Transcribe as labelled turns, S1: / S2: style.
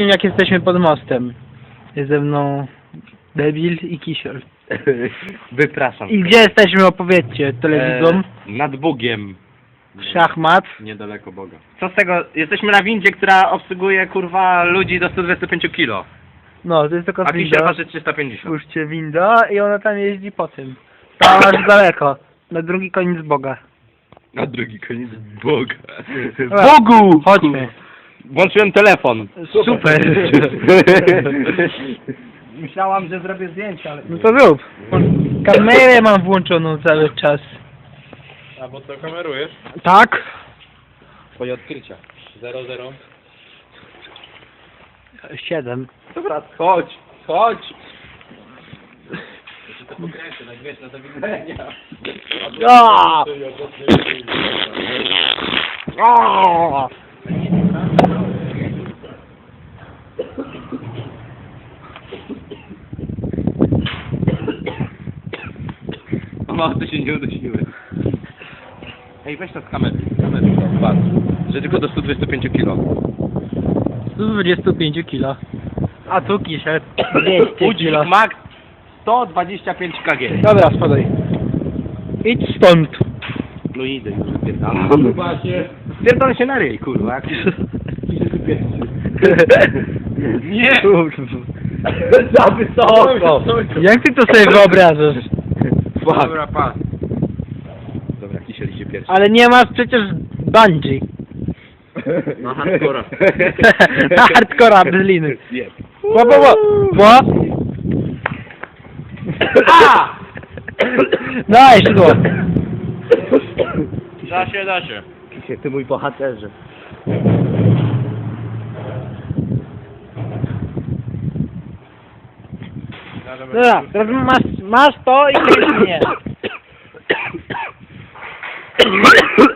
S1: wszystkim, jak jesteśmy pod mostem. Jest ze mną Debil i Kisiel.
S2: Wypraszam.
S1: I gdzie jesteśmy, opowiedzcie telewidzom.
S2: Nad Bugiem.
S1: Szachmat.
S2: Niedaleko Boga. Co z tego? Jesteśmy na windzie, która obsługuje kurwa ludzi do 125 kg.
S1: No, to jest tylko
S2: A Kisiel
S1: winda.
S2: waży 350.
S1: Spójrzcie, winda i ona tam jeździ po tym. Tam aż daleko. Na drugi koniec Boga.
S2: Na drugi koniec Boga.
S1: Dobra,
S2: Bogu!
S1: chodźmy.
S2: Włączyłem telefon.
S1: Super.
S2: Myślałam, że zrobię zdjęcia, ale...
S1: No to rób. Kamerę mam włączoną cały czas.
S3: A bo co kamerujesz?
S1: Tak?
S2: Twoje odkrycia.
S3: 0-0.
S1: 7.
S2: Dobra, chodź, chodź.
S3: To pokręcę, wiesz, na do widzenia.
S1: A! A!
S2: O, to się nie udusiły. Ej, weź to z kamery. Patrz. Że tylko do 125 kg.
S1: 125 kg. A tu Kisiel 200
S2: Udźwig
S1: kg.
S2: max 125 kg.
S1: Dobra, spadaj. Idź stąd.
S2: No idę już, wypierdalam. Spierdolę się na ryj, kurwa. Jak... Nie! Za wysoko!
S1: Jak ty to sobie wyobrażasz?
S2: Fuck.
S3: Dobra, pas.
S2: Dobra, Kisiel idzie pierwszy.
S1: Ale nie masz przecież bungee.
S3: Na hardcora.
S1: Na hardcora bez liny.
S2: Nie.
S1: Bo?
S2: A!
S1: Daj szydło.
S3: Da się, da się.
S2: Kisiel, ty mój bohaterze.
S1: Dobra, teraz masz to i kręć mnie.